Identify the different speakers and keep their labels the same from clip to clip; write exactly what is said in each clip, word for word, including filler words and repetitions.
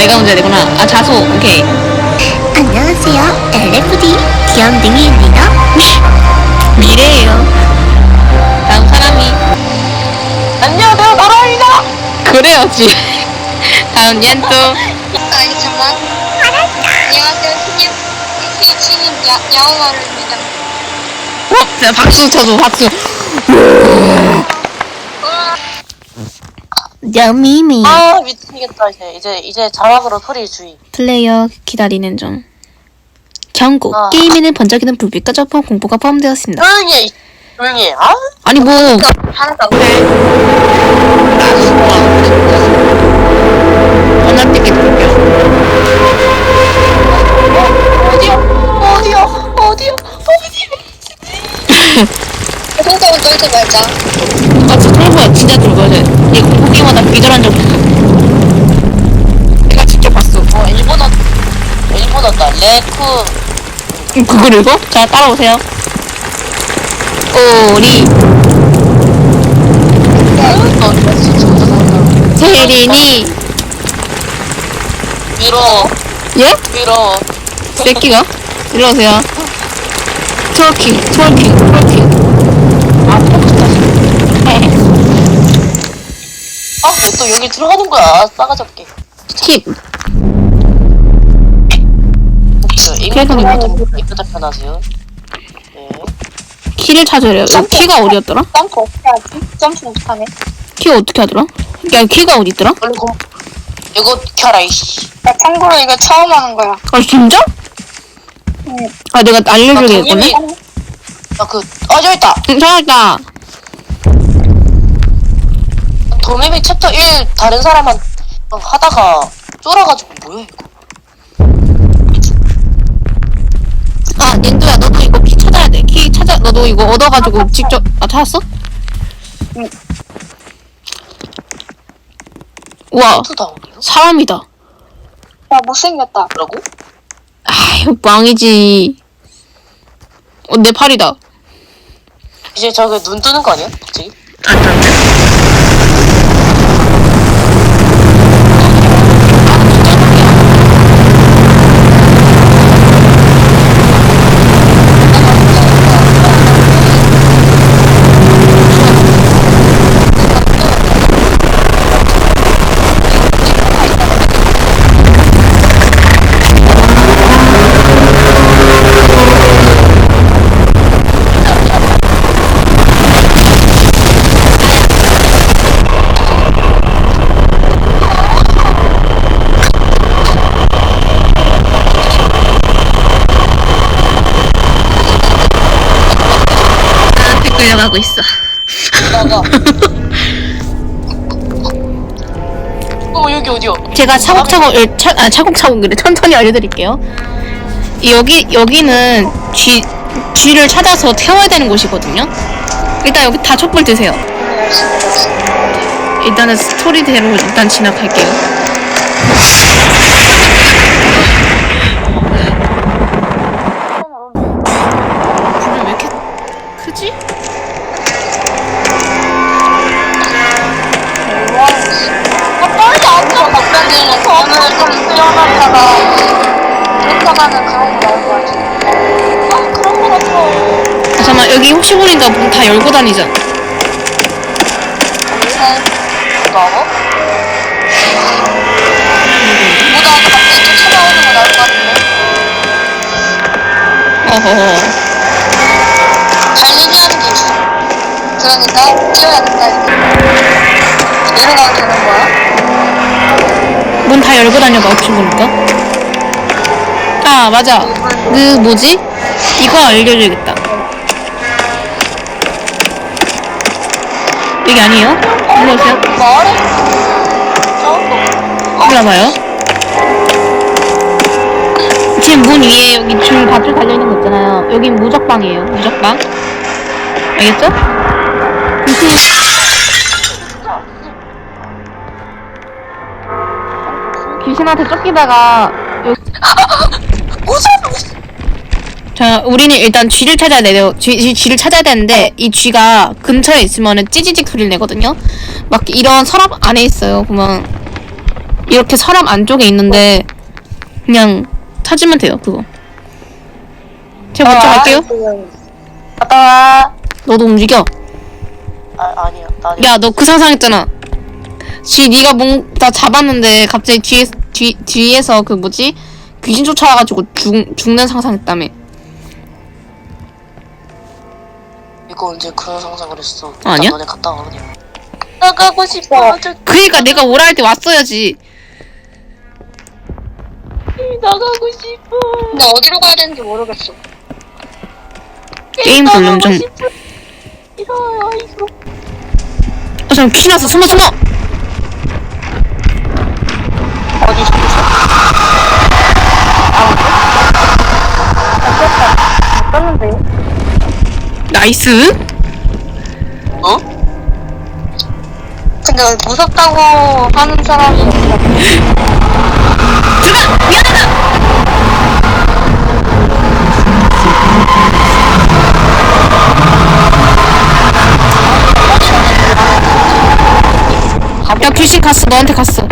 Speaker 1: 내가 문제야 되구나. 아, 자소. 오케이.
Speaker 2: 안녕하세요. 엘에프디 귀염둥이입니다.
Speaker 1: 미래예요. 다음 사람이.
Speaker 3: 안녕하세요, 나라입니다.
Speaker 1: 그래야지. 다음 옌또.
Speaker 4: 아니 잠만. 안녕하세요, 신입 신입 신입 야 야옹아루입니다.
Speaker 1: 어? 자, 박수 쳐줘, 박수.
Speaker 2: 여미미.
Speaker 3: 아 미치겠다 이제 이제 이제 자막으로 소리 주의.
Speaker 1: 플레이어 기다리는 중. 경고.
Speaker 3: 아.
Speaker 1: 게임에는 번쩍이는 불빛과 점프 공포가 포함되었습니다.
Speaker 3: 조용히 해. 조용히 해. 아?
Speaker 1: 아니 뭐
Speaker 4: 하나도
Speaker 1: 언어 띠게 들을게요.
Speaker 3: 어디요? 어디요? 어디요? 어디요?
Speaker 4: 손가락 떨지 말자.
Speaker 1: 아 진짜 쫄보야. 진짜 쫄보야. 얘 공포 게임하다 기절한 적 없어. 내가 직접 봤어.
Speaker 3: 어 일본어 일본어다. 레쿠.
Speaker 1: 음, 그걸 읽어? 자 따라오세요. 오리
Speaker 3: 너 진짜
Speaker 1: 세린이
Speaker 3: 밀어
Speaker 1: 예?
Speaker 3: 밀어.
Speaker 1: 새끼가? 일로 오세요. 트월킹 트월킹 트월킹.
Speaker 3: 아 터졌다. 아왜 또 여기 들어가는 거야? 싸가지 없게.
Speaker 1: 킥.
Speaker 3: 이거 이거 이쁘다 편하세요. 네.
Speaker 1: 키를 찾으래요. 야, 키가 어디였더라?
Speaker 4: 점프 어떻게 하지? 점프 못하네.
Speaker 1: 키 어떻게 하더라? 야 키가 어디 있더라?
Speaker 3: 얼른 공. 이거 켜라 이씨.
Speaker 4: 나 참고로 이거 처음 하는 거야.
Speaker 1: 아 진짜?
Speaker 4: 응.
Speaker 1: 아 내가 알려줘야겠네.
Speaker 3: 나그 아 저기 있다.
Speaker 1: 응 찾았다.
Speaker 3: 도매미 챕터 일 다른 사람한 하다가 쫄아가지고 뭐야 이거.
Speaker 1: 아 닌두야 너도 이거 키 찾아야 돼. 키 찾아 너도 이거 얻어가지고 직접 아 찾았어?
Speaker 4: 응.
Speaker 1: 우와
Speaker 3: 투다운이요?
Speaker 1: 사람이다.
Speaker 4: 야 못생겼다.
Speaker 3: 뭐라고?
Speaker 1: 아휴 망이지. 어 내 팔이다.
Speaker 3: 이제 저기 눈 뜨는 거 아니야? 갑자기?
Speaker 1: 나한테 끌려가고 있어.
Speaker 3: 나가. 어 여기 어디야?
Speaker 1: 제가 차곡차곡 을- 차, 아 차곡차곡 그래 천천히 알려드릴게요. 여기 여기는 쥐 쥐를 찾아서 태워야 되는 곳이거든요. 일단 여기 다 촛불 드세요. 일단은 스토리대로 일단 진행할게요. 불이 왜 이렇게 크지?
Speaker 4: 아 빨리 앉아. 갑자기 저는 좀 뛰어났다가 들어가는 그런 거 나올 거 같아. 아 그런 거 같아.
Speaker 1: 아, 잠깐만 여기 혹시 모르니까 문 다 열고 다니자.
Speaker 3: 나와?
Speaker 4: 보다 갑자기 또 찾아오는 거 나올 것 같은데.
Speaker 1: 어허허.
Speaker 4: 달리기하는 게 있어. 그러니까 뛰어야 된다 이렇게. 이러면 되는 거야?
Speaker 1: 문 다 열고 다녀봐 혹시 모르니까. 아 맞아. 그 뭐지? 이거 알려줘야겠다. 여기 아니에요? 일로 오세요.
Speaker 3: 말해? 저거.
Speaker 1: 일로 와봐요. 지금 문 위에 여기 줄 밧줄 달려있는 거 있잖아요. 여긴 무적방이에요. 무적방. 알겠죠? 귀신한테 쫓기다가 여기... 자, 우리는 일단 쥐를 찾아야 돼요. 쥐, 쥐, 쥐를 찾아야 되는데 이 쥐가 근처에 있으면은 찌지직 소리를 내거든요. 막 이런 서랍 안에 있어요. 보면 이렇게 서랍 안쪽에 있는데 그냥 찾으면 돼요. 그거. 제가 먼저 갈게요.
Speaker 4: 갔다 와.
Speaker 1: 너도 움직여.
Speaker 3: 아 아니야. 나
Speaker 1: 야, 너 그 상상했잖아. 쥐 네가 뭔가 잡았는데 갑자기 뒤에 뒤 뒤에서 그 뭐지 귀신 쫓아와가지고 죽 죽는 상상했다며.
Speaker 3: 이거 언제 그런 상상을 했어?
Speaker 1: 아니야?
Speaker 3: 너네 갔다 와 그냥.
Speaker 4: 나가고 싶어. 저
Speaker 1: 그니까 내가 오라 할 때 왔어야지.
Speaker 4: 나가고 싶어. 근데 어디로 가야 되는지 모르겠어.
Speaker 1: 게임 볼륨 좀.
Speaker 4: 싶어. 이러요 이거.
Speaker 1: 어, 잠깐 귀신 왔어. 숨어 숨어.
Speaker 3: 어디 죽었어?
Speaker 4: 떴는데요?
Speaker 1: 나이스.
Speaker 3: 어?
Speaker 4: 근데 무섭다고 하는 사람이 없어.
Speaker 1: 들어가. 미안하다. 야, 귀신 갔어. 너한테 갔어.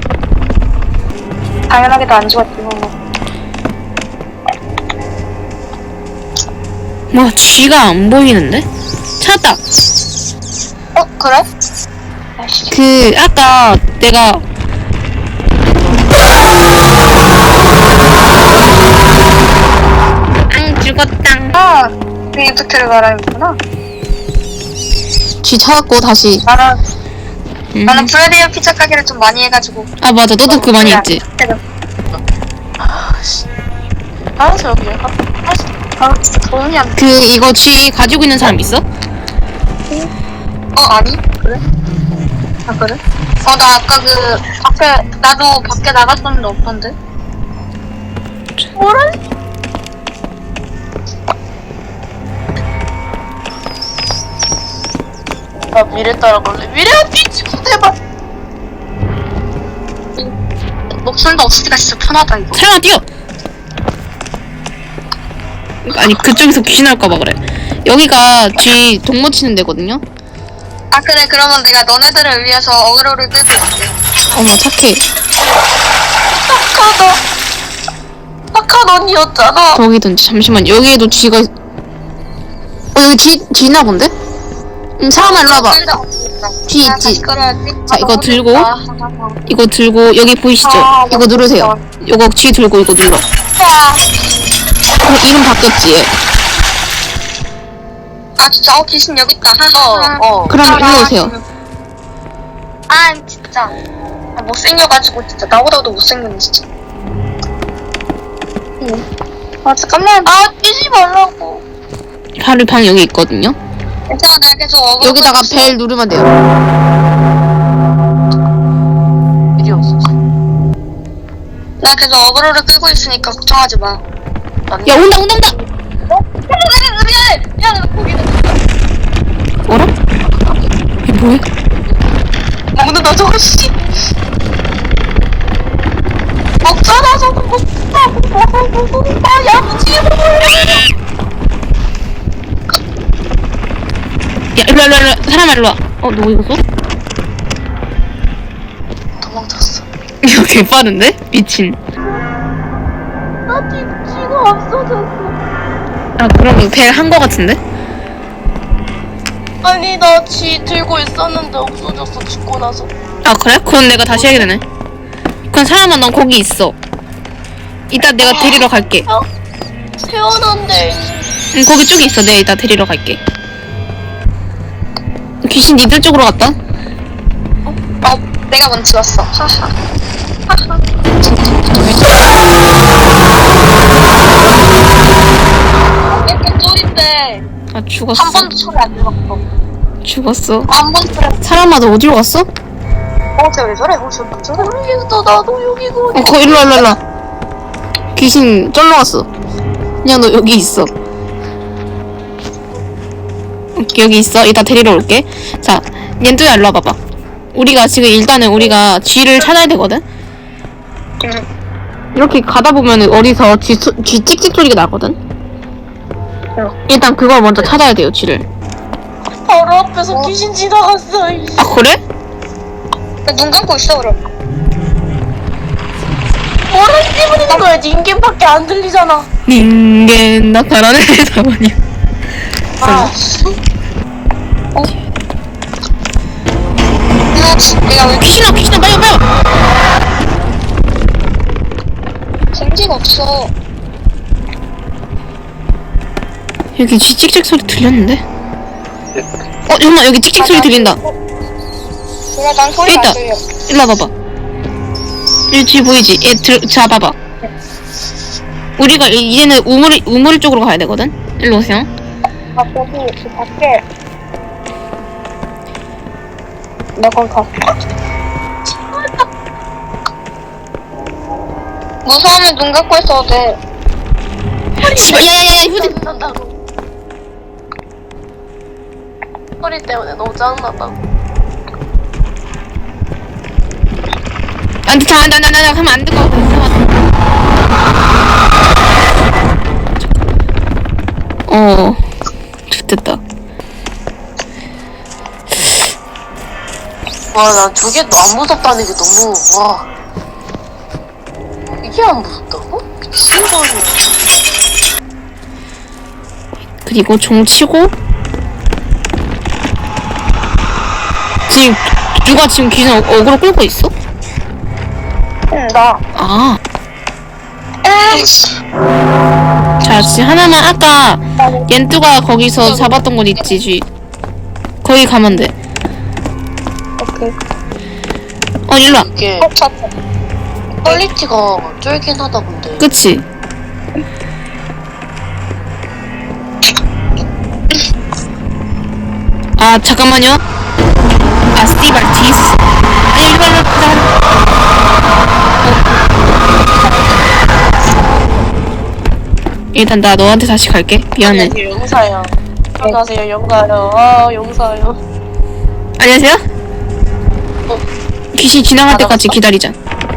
Speaker 4: 당연하게도 안 죽었지 뭐.
Speaker 1: 뭐 쥐가 안 보이는데? 찾았다.
Speaker 4: 어 그래? 아이씨.
Speaker 1: 그 아까 내가 안 죽었당.
Speaker 4: 아 리프트를 말하는구나.
Speaker 1: 쥐 찾았고 다시.
Speaker 4: 나는
Speaker 1: 음.
Speaker 4: 나는 브라디오 피자 가게를 좀 많이 해가지고.
Speaker 1: 아 맞아. 너도 그 많이 했지.
Speaker 3: 아씨. 알았어 여기. 알았어.
Speaker 4: 아 진짜 도움이 안 돼.
Speaker 1: 그 이거 쥐 가지고 있는 사람 있어?
Speaker 4: 어 아니 그래? 아 그래? 어 나 아까 그 밖에 나도 밖에 나갔었는데 없던데. 뭐라?
Speaker 3: 나 미래 따라갈래. 미래야 뒤집어 대박.
Speaker 4: 목소리가 없으니까 진짜 편하다 이거.
Speaker 1: 사람아 뛰어. 아니 그쪽에서 귀신 할까봐 그래. 여기가 쥐 동무 치는 데거든요.
Speaker 4: 아 그래 그러면 내가 너네들을 위해서 어그로를 끌고 올게.
Speaker 1: 어머 착해.
Speaker 3: 착하다. 착한 언니였잖아.
Speaker 1: 거기든지 잠시만. 여기에도 쥐가 있... 어 여기 쥐 쥐나 본데? 응 사람아 일로 와봐. 쥐
Speaker 4: 아,
Speaker 1: 있지.
Speaker 4: 다시 끌어야지.
Speaker 1: 자, 이거 들고.
Speaker 4: 아,
Speaker 1: 이거 들고 여기 보이시죠?
Speaker 4: 아,
Speaker 1: 이거 누르세요. 이거 쥐 들고 이거 눌러.
Speaker 4: 아,
Speaker 1: 그럼 이름 바뀌었지 얘.
Speaker 4: 아 진짜 어 귀신 여기 있다.
Speaker 3: 어 어.
Speaker 1: 그럼 일로 오세요.
Speaker 4: 아 진짜 아, 못생겨가지고 진짜 나보다도 못생겼네 진짜. 응. 아 잠깐만.
Speaker 3: 아 뛰지 말라고.
Speaker 1: 바로 방 여기 있거든요.
Speaker 4: 괜찮아 내가 계속 어그로
Speaker 1: 여기다가
Speaker 4: 끌고 있어.
Speaker 1: 벨 누르면 돼요.
Speaker 3: 일이 없었어.
Speaker 4: 나 계속 어그로를 끌고 있으니까 걱정하지 마.
Speaker 1: 야 온다 온다 온다.
Speaker 4: 미안해 미안해 거기는
Speaker 1: 어라? 이게 뭐야?
Speaker 3: 먹는 나 저거 씨. 먹잖아 저거 먹다 먹다 야무지게 먹어.
Speaker 1: 야 일로 와 일로 와 일로 와. 사람아 일로 와. 어 너 이거 써?
Speaker 3: 도망쳤어.
Speaker 1: 이거 개 빠른데? 미친.
Speaker 3: 나 뒤치가 없어졌어.
Speaker 1: 아 그럼 벨 한 거 같은데?
Speaker 3: 아니 나 쥐 들고 있었는데 없어졌어 죽고 나서.
Speaker 1: 아 그래? 그럼 내가 다시 해야 되네. 그럼 사람아 넌 거기 있어. 이따 내가 데리러 갈게.
Speaker 3: 태어난데.
Speaker 1: 응 거기 쪽에 있어. 내가 이따 데리러 갈게. 귀신 니들 쪽으로 갔다.
Speaker 4: 어 내가 먼저 왔어. 하하. 하하. 이렇게 쫄인데
Speaker 1: 아 죽었어.
Speaker 4: 한 번도 소리 안 들었어.
Speaker 1: 죽었어.
Speaker 4: 한 번도 소리 안
Speaker 1: 사람아 너 어디로 갔어?
Speaker 4: 어, 쟤왜 저래? 어, 쟤왜 저래?
Speaker 3: 모르겠어 나도 여기고.
Speaker 1: 어 거 일로 와 일로 와. 귀신 쫄러 갔어. 그냥 너 여기 있어. 오케이, 여기 있어. 이따 데리러 올게. 자, 옌두야 일로 와봐봐. 우리가 지금 일단은 우리가 쥐를 찾아야 되거든. 이렇게 가다 보면은 어디서 쥐, 소, 쥐 찍찍 소리가 나거든. 일단 그걸 먼저 찾아야 돼요, 쥐를.
Speaker 3: 바로 앞에서 귀신 지나갔어. 이씨.
Speaker 1: 아 그래?
Speaker 4: 눈 감고 있어, 그럼.
Speaker 3: 거야. 닌겐밖에 안 들리잖아.
Speaker 1: 닌겐 나타나네 사모님.
Speaker 3: 아, 씨.
Speaker 4: 어? 내가 왜
Speaker 1: 귀신아 귀신아 빨리 빨리.
Speaker 4: 생지가 없어.
Speaker 1: 여기 쥐 찍찍 소리 들렸는데? 어 잠깐만 여기 찍찍 소리 들린다.
Speaker 4: 그래, 난 소리가
Speaker 1: 있다.
Speaker 4: 안 들려.
Speaker 1: 일로 와봐봐. 여기 쥐 보이지? 얘 들, 잡아봐. 우리가 이- 이제는 우물 우물 쪽으로 가야 되거든. 일로 오세요.
Speaker 4: 아, 거기, 그 밖에. 나 거기 갔어. 무서우면 눈 감고 있어도 돼.
Speaker 1: 씨발 야야야야 휴대.
Speaker 3: 짜증난다고. 소리 때문에 너무 짜증난다고.
Speaker 1: 안돼 자, 나, 나, 나, 나 하면 안 될 것 같아. 어, 됐다.
Speaker 3: 와, 나 저게 안 무섭다는 게 너무, 와. 이게 안 무섭다고? 미친 거 아니야.
Speaker 1: 그리고 종 치고 지금 누가 지금 귀신 어- 어그로 끌고 있어?
Speaker 4: 응, 나.
Speaker 1: 아,
Speaker 4: 에이씨.
Speaker 1: 자 지금 하나만 아까 옌뚜가 거기서 잡았던 곳 있지, 쥐. 거기 가면 돼.
Speaker 4: 오케이.
Speaker 1: 어 일로 와.
Speaker 3: 이게
Speaker 4: 어, 찾았어.
Speaker 3: 퀄리티가 쫄긴 하다, 근데.
Speaker 1: 그치? 아 잠깐만요. 아 스티발 디스. 아니 일로 와, 일로 와, 일로 와. 일단 나 너한테 다시 갈게. 미안해.
Speaker 3: 안녕하세요, 용사요. 안녕하세요, 용사요. 아, 용사요.
Speaker 1: 안녕하세요.
Speaker 3: 어.
Speaker 1: 귀신 지나갈 때까지 기다리자.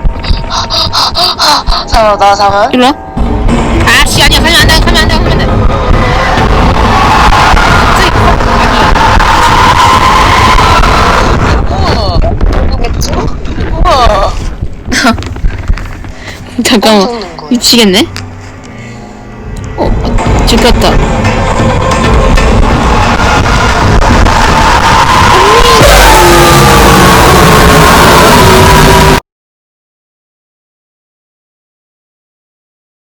Speaker 3: 잠깐만, 나 잠깐.
Speaker 1: 일로 와. 아씨 아니야 가면 안 돼, 가면 안 돼, 가면 안 돼.
Speaker 3: 우와.
Speaker 4: 모르겠지?
Speaker 3: 우와.
Speaker 1: 잠깐만
Speaker 3: 깜짝 놀란 거야.
Speaker 1: 미치겠네. 어, 어 들켰다.